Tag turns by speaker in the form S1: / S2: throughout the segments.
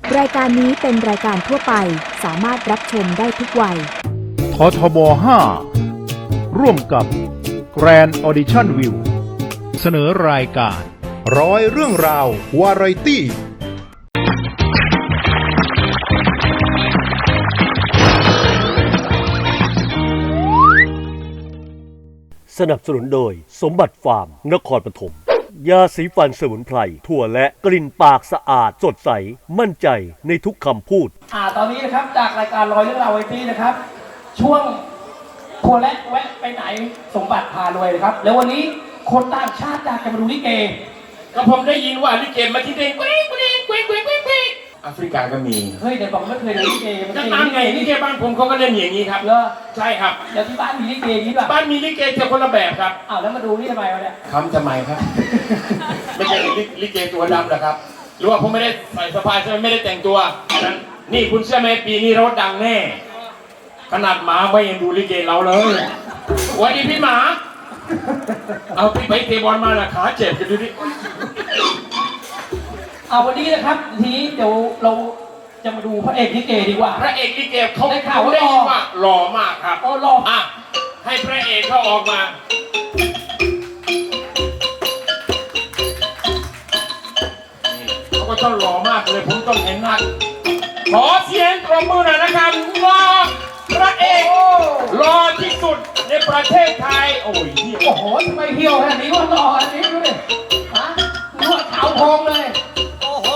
S1: รายการนี้เป็นรายการทั่วไปสามารถรับชมได้ทุกวัย
S2: ททบ 5 ร่วมกับ Grand Audition View เสนอรายการ
S3: ร้อยเรื่องราววาไรตี้
S4: สนับสนุนโดยสมบัติฟาร์มนครปฐมยาสีฟันสมุนไพรถั่วและกลิ่นปากสะอาดสดใสมั่นใจในทุกคำพูด
S5: ตอนนี้นะครับจากรายการร้อยเรื่องราวไวทีนะครับ ช่วงทัวร์และแวะไปไหนสมบัติพารวยครับแล้ววันนี้คนต่างชาติอยากจะมาดูลิเก
S6: ก็ผมได้ยินว่าลิเกมาที่เด้งกุ้งแอฟริกาก็มี
S5: เฮ้ยเดี๋ยวบอกไม่เคยดูลิเก
S6: จะตามไงลิเกบ้านผมเขาก็เล่นอย่างนี้ครับ
S5: เหรอ
S6: ใช่ครับ
S5: เดี๋ยวที่บ้านมีลิเกนี้ป่ะ
S6: บ้านมีลิเกแต่คนละแบบครับ
S5: แล้วมาดูนี่ทำไมวะเนี่ย
S6: ทำไมครับ ไม่ใช่ลิเกตัวดำหรอครับหรือว่าผมไม่ได้ใส่สะพายใช่ไหมไม่ได้แต่งตัวนั้นนี่คุณเชื่อไหมปีนี้รถดังแน่ขนาดหมาไม่ยังดูลิเกเราเลยวันนี้พี่หมาเอาพี่ไปเตะบอลมาละขาเจ็บกันดูดิ
S5: วันนี้นะครับทีนี้เดี๋ยวเราจะมาดูพระเอกลิเกดีกว่า
S6: พระเอกลิเกเขาได้ข่าวว่าหล่อมากครับ
S5: หล่อ
S6: ให้พระเอกเขาออกมาเขาก็ต้องหล่อมากเลยผมต้องเห็นหน้าขอเสียงปรบมือหน่อยนะครับว่าพระเอกหล่อที่สุดในประเทศไทยโอ้
S5: โหทำไมเหี่ยวขนาดนี้ว่าหล่ออันนี้ดูดินวดขาวพองเลย
S4: โอ้โห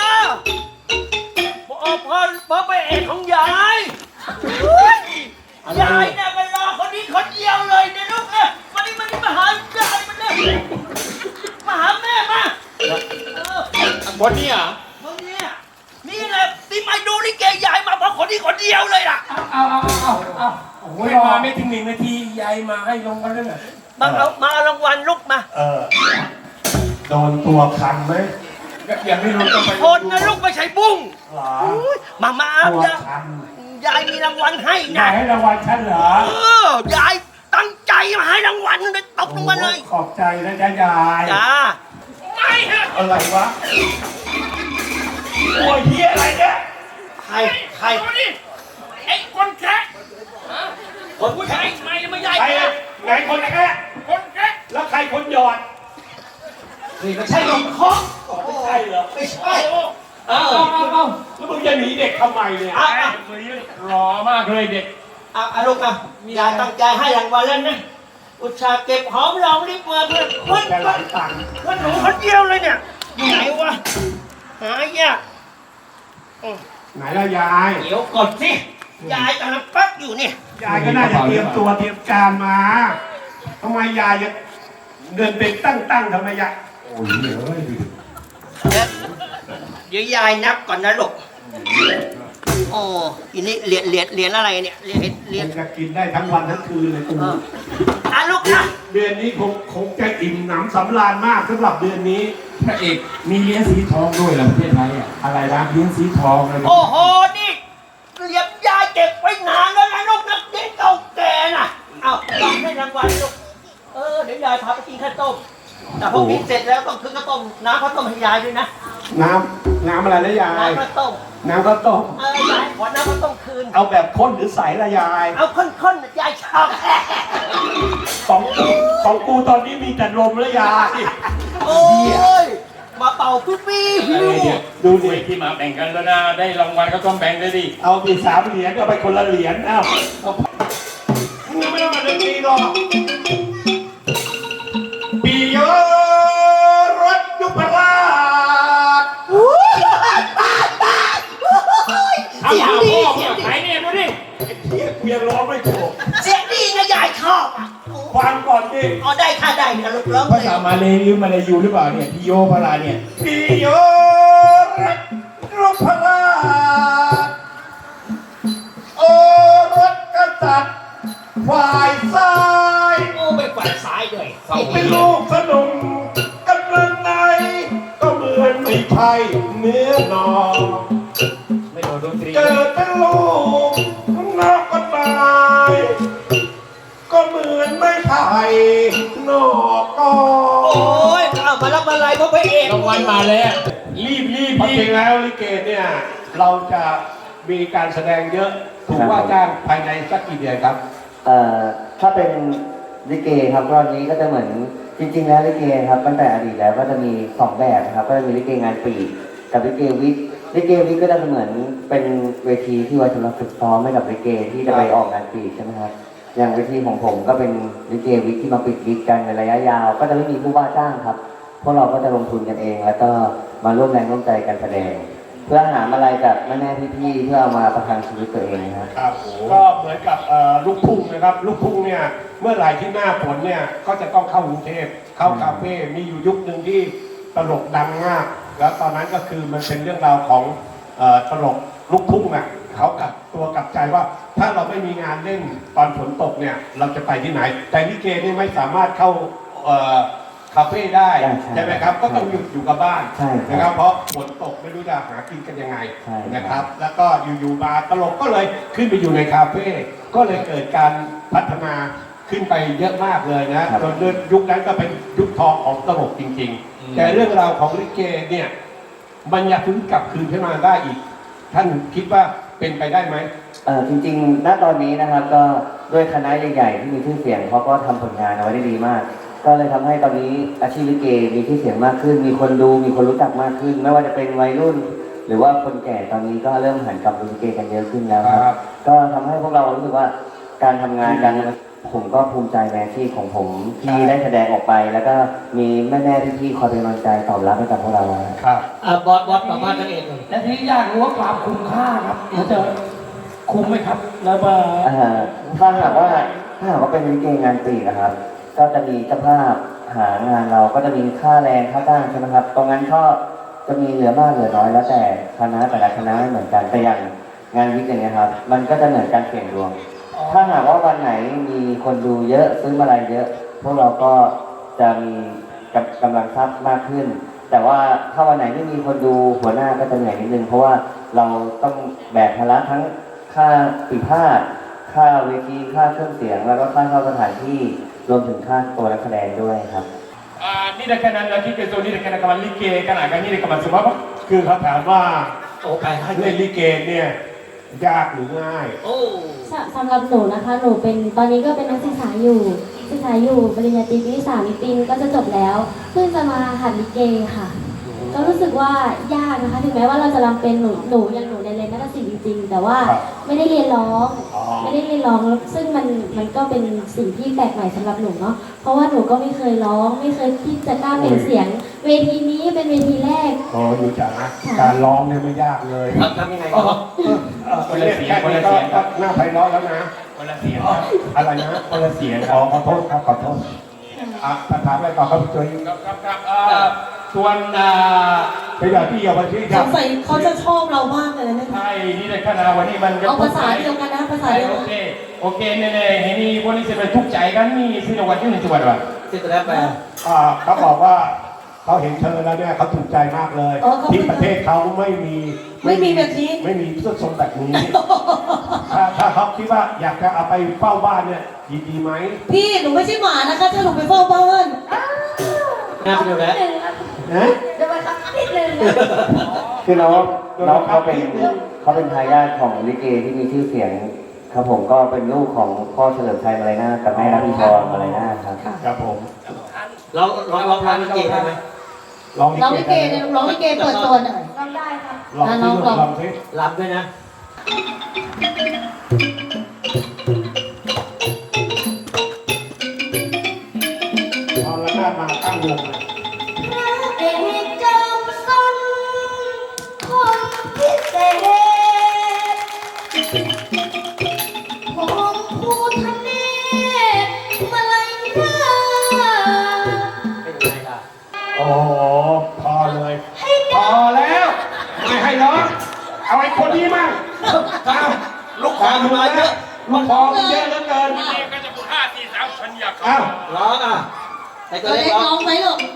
S4: พอไปเอกของยายยายเนี่ยมันรอคนนี้คนเดียวเลยเนี่ยลูกเนี่ยมันมาหายายมันเนี่ยมาหาแม่มา
S6: คนนี้อ่ะ
S4: คนนี้นี่แหละที่มาดูลิเกยายมาเพราะคนนี้คนเดียวเลยล่ะ
S6: โอ้ยมาไม่ถึง1 นาทียายมาให้รางวัลเลย
S4: มาเอารางวัลลูกมา
S3: โดนตัวคันไหม
S6: ยังไม่รู้ต้องไป
S4: คนนะลูกไม่ใช่บุ้งมา
S3: ตั
S4: ยายมีรางวัลให้นะ
S3: ให้รางวัลฉันเหร
S4: อยายตั้งใจมาให้รางวัลเลยตบลงมาเลย
S3: ขอบใจนะจ๊ะยาย
S4: จ้า
S6: ไม่ฮะ
S3: อะไรวะโอ้ยเฮียอะไรเนี่ย
S4: ใคร
S6: นี่ไอ้คนแค่
S4: คนผู้ชายไม่ใหญ่
S3: ไงคนแค่แล้วใครคนหยอด
S4: นี่ไม่ใช่ลงคอ
S3: ไม่ใช่เหรอ
S4: ไม่ใช่
S3: แล้วมึงจะหนีเด็กทำไมเนี่ย
S6: รอมากเลยเด็ก
S4: ลูกยายตั้งใจให้รางวัลแล้วนะอุตส่าห์เก็บหอมรอมริบมาเพื่อคนหนูคนเดียวเลยเนี่ยไหนวะหายาก
S3: ไหนล่ะยาย
S4: เดี๋ยวกดสิยายกำลังปั๊บอยู่นี่
S3: ยายก็น่าจะเตรียมตัวเตรียมการมาทำไมยายจะเดินเป็นตั้งทำไมยายโอ้ย
S4: เดี๋ยวยายนับก่อนนะลูกโอ้ทีนี้เหรียญอะไรเนี่ยเหรียญ
S3: จะกินได้ทั้งวันทั้งคืนเลยกู
S4: ลูกนะ
S3: เดือนนี้คงจะอิ่มหนำสำราญมากสำหรับเดือนนี้
S6: พระเอกมีเหรียญสีทองด้วยเหรอประเทศไทย
S3: อะไรนะเหรียญสีทองอะไร
S4: โอ้โหนี่เหรียญยายเก็บไว้นานแล้วนะลูกนักเด็กเก่าแก่น่ะรับให้รางวัลลูกเดี๋ยวยายพาไปกินข้าวต้มแต่พอกินเสร็จแล้วต้องคือข้าวต้มน้ำข้าวต้มให้ยายด้วยนะ
S3: น้ำอะไรนะยาย
S4: น้ำข้าวต้มยายขอน้ำข้าวต้มคืน
S3: เอาแบบข้นหรือใสละยาย
S4: เอาข้นยายชอบ
S3: ของกูตอนนี้มีแต่ลมแล้วยาย
S4: โอ้ยมาเป่าปี้
S3: ดูดิ
S6: ที่มาแบ่งกันแล้วนะได้รางวัลก็ต้องแบ่งเลยดิ
S3: เอาไป3 เหรียญก็ไปคนละเหรียญมึงไม่ต้องมาเล่นปีหรอกปีโยรถยุพราช
S6: เสียงดีไหนเนี่ยดูดิ
S3: กูยังร้องไม่ถูก
S4: เสียงดีนะยายชอบ
S3: ฟังก่อนดิ
S4: ได้ค่ะได้นะลูกร้อง
S6: ภาษามาเลยหรือมาเลยยูหรือเปล่าเนี่ยพี่โยพราเนี่ย
S3: ปีโยรถยุพราชโอรถกษัตริย์ฝ่ายซ้าย
S4: เป็นฝ่ายซ้ายด้วย
S3: เป็นลูกสนุมกันเมืองไหนก็เหมือนไม่ใช่เนื้อนอง
S6: ไม่โดนดนตรี
S3: เกิดเป็นลูกนักก็ตายก็เหมือนไม่ไผ่นอกกอ
S4: โอ้ยมารับอะไรเพราะพระเอก
S6: รางวัลมาแล้วรีบ
S3: ความจริงแล้วลิเกเนี่ยเราจะมีการแสดงเยอะถูกว่าจ้างภายในสักกี่เดือนครับ
S7: ถ้าเป็นลิเกครับรอบนี้ก็จะเหมือนจริงๆแล้วลิเกครับตั้งแต่อดีตแล้วก็จะมี2แบบนะครับก็จะมีลิเกงานปีกับลิเกวิกลิเกวิกก็จะเหมือนเป็นเวทีที่ไว้สำหรับฝึกซ้อมให้กับลิเกที่จะไปออกงานปีใช่ไหมครับอย่างเวทีของผมก็เป็นลิเกวิกที่มาปิดวิกกันในระยะยาว ก็จะไม่มีผู้ว่าจ้างครับพวกเราก็จะลงทุนกันเอง แล้วก็มาร่วมแรงร่วมใจกันแสดง เพื่อหาอะไรจากแม่ๆพี่ๆเพื่อเอามาประทังชีวิตตัวเองนะครับ
S3: ครับก็เหมือนกับลูกทุ่งนะครับลูกทุ่งเนี่ยเมื่อไหร่ที่หน้าฝนเนี่ยก็จะต้องเข้ากรุงเทพเข้าคาเฟ่มีอยู่ยุคหนึ่งที่ตลกดังมากแล้วตอนนั้นก็คือมันเป็นเรื่องราวของตลกลูกทุ่งอ่ะเขากลับตัวกลับใจว่าถ้าเราไม่มีงานเล่นตอนฝนตกเนี่ยเราจะไปที่ไหน แต่ลิเกนี่ไม่สามารถเข้าคาเฟ่ได้ใช่ไหมครับก็ต้องหยุดอยู่กับบ้านนะครับเพราะฝนตกไม่รู้จะหากินกันยังไงนะครับแล้วก็อยู่ๆมาตลกก็เลยขึ้นไปอยู่ในคาเฟ่ก็เลยเกิดการพัฒนาขึ้นไปเยอะมากเลยนะจนยุคนั้นก็เป็นยุคทองของตลกจริงๆแต่เรื่องราวของลิเกเนี่ยมันอยากฟื้นกลับคืนขึ้นมาได้อีกท่านคิดว่าเป็นไปได้ไหม
S7: จริงๆณตอนนี้นะครับก็ด้วยคณะใหญ่ๆที่มีชื่อเสียงเขาก็ทำผลงานเอาไว้ได้ดีมากก็เลยทำให้ตอนนี้อาชีพลิเกมีชื่อเสียงมากขึ้นมีคนดูมีคนรู้จักมากขึ้นไม่ว่าจะเป็นวัยรุ่น หรือว่าคนแก่ตอนนี้ก็เริ่มหันกลับดูลิเกกันเยอะขึ้นแล้วครับก็ทำให้พวกเรารู้สึกว่าการทำงานกันผมก็ภูมิใจในอาชีพของผมที่ได้แสดงออกไป แล้วก็มีแม่ๆพี่ๆคอยเป็นกำลังใจตอบรับให้กับพวกเรา
S3: ครับ
S4: บอสประมาณนั่นเองเลย
S5: และที่อยากรู้ว่าความคุ้มค่าครับมันจะคุ้มไหมครับแล้วมา
S7: ถ้าหากว่าเป็นลิเกงานปีนะครับก็จะมีเจ้าภาพหางานเราก็จะมีค่าแรงค่าจ้างใช่ไหมครับตรงนั้นก็จะมีเหลือมากเหลือน้อยแล้วแต่คณะแต่ละคณะไม่เหมือนกันแต่อย่างงานวิกอย่างเงี้ยครับมันก็จะเหมือนการเสี่ยงดวงถ้าหากว่าวันไหนมีคนดูเยอะซื้อมาลัยเยอะพวกเราก็จะมีกำลังทรัพย์มากขึ้นแต่ว่าถ้าวันไหนไม่มีคนดูหัวหน้าก็จะเหนื่อยนิดนึงเพราะว่าเราต้องแบกภาระทั้งค่าปีพาดค่าเวทีค่าเครื่องเสียงแล้วก็ค่าเช่าสถานที่รวมถึงค่าตัวนักแสดงด้วยครับ
S6: นี่ได้แค่นั้นแล้วที่เกิดตัวนี้ได้แค่นั้นกับมันลิเกขนาดกันนี่ได้กับมันสมมติว่า
S3: คือเขาถามว่า
S4: โอ้ไปให้
S3: เล่นลิเกเนี่ยยากหรือง่าย
S4: โอ้
S8: สำหรับหนูนะคะหนูเป็นตอนนี้ก็เป็นนักศึกษาอยู่ปริญญาตรีปีที่3อีกปีนึงก็จะจบแล้วเพิ่งจะมาหัดลิเกค่ะก็รู้สึกว่ายากนะคะถึงแม้ว่าเราจะรำเป็นหนูยังในเรียนนักศิลป์จริงๆแต่ว่าไม่ได้เรียนร้องซึ่งมันก็เป็นสิ่งที่แปลกใหม่สำหรับหนูเนาะเพราะว่าหนูก็ไม่เคยร้องไม่เคยที่จะกล้าเป็นเสียงเวทีนี้เป็นเวทีแรก
S3: หนูจ๋าการร้องเนี่ยไม่ยากเลย
S4: ทำยังไงครับ
S3: คนละเสียงก็หน้าไพเราะแล้วนะ
S6: คนละเสียง
S3: อะไรนะ
S6: คนละเสียง
S3: ขอโทษครับขอโทษถามอะไรต่อครับพี่จุ้ย
S6: ครับส่วน
S3: ไปอย่างที่เยาวชน
S9: สงสัยเขาจะชอบเรามากเลยนะ
S6: ใช่นี่ในขณะวันนี้มัน
S9: เอาภาษาเดียวกันนะภาษาเดียวกัน
S6: โอเคเนี่ยนี่วันนี้จะไปทุกใจกันนี่สินวัตที่หนึ่งจังหวัดวะ
S4: สิตัวแรกไป
S3: เขาบอกว่าเขาเห็นเธอแล้วเนี่ยเขาถูกใจมากเลยที่ประเทศเขาไม่มี
S9: แบบนี้
S3: ไม่มีเสื้อทรงแบบนี้ถ้าเขาคิดว่าอยากจะเอาไปเฝ้าบ้านเนี่ยดีไหม
S9: พี่หนูไม่ใช่หมานะคะถ้าหนูไปเฝ้าบ้าน
S4: น่าไปดูแล้ว
S8: เดี๋ยวไปครับนิดนึง
S7: คือน้องเขาเป็นทายาทของลิเกที่มีชื่อเสียงครับผมก็เป็นลูกของพ่อเฉลิมชัยมาลัยนากับแม่รัตพิพรมาลัยนาครับ
S3: ครับผม
S4: เราร้องลิเกได้ไหม
S9: ร้องลิเกเนี่ยร้องลิเกเปิดตัวหน่อย
S8: ร้องได้ครับ
S9: น้องร้อง
S4: รำด้วยนะ
S3: พอละนาดมาตั้งวง
S8: พระเอกจอมซนคนพิเศษผมภูทะเนศมาลัยนา
S4: เป็นไงล่ะ
S3: โอ้พอเลยพอแล้วไม่ให้ร้องเอาไอ้คนนี้มั่ง
S4: ลูกคอมาเยอะ
S3: ลูกคอเยอะเหลือเกิน
S6: นี่ก็จะพูด5 4 3ฉันอยาก
S4: ร้องไอ้ตัวเล็ก
S9: ร้องไหมลูก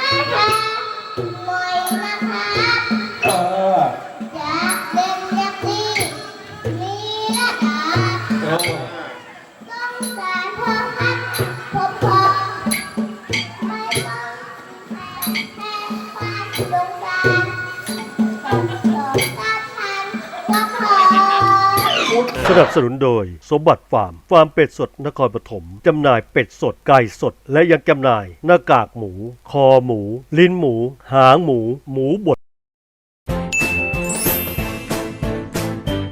S8: อยากเล่นอยากเล่
S10: สนับสนุนโดยสมบัติฟาร์มเป็ดสดนครปฐมจำหน่ายเป็ดสดไก่สดและยังจำหน่ายหน้ากากหมูคอหมูลิ้นหมูหางหมูหมูบด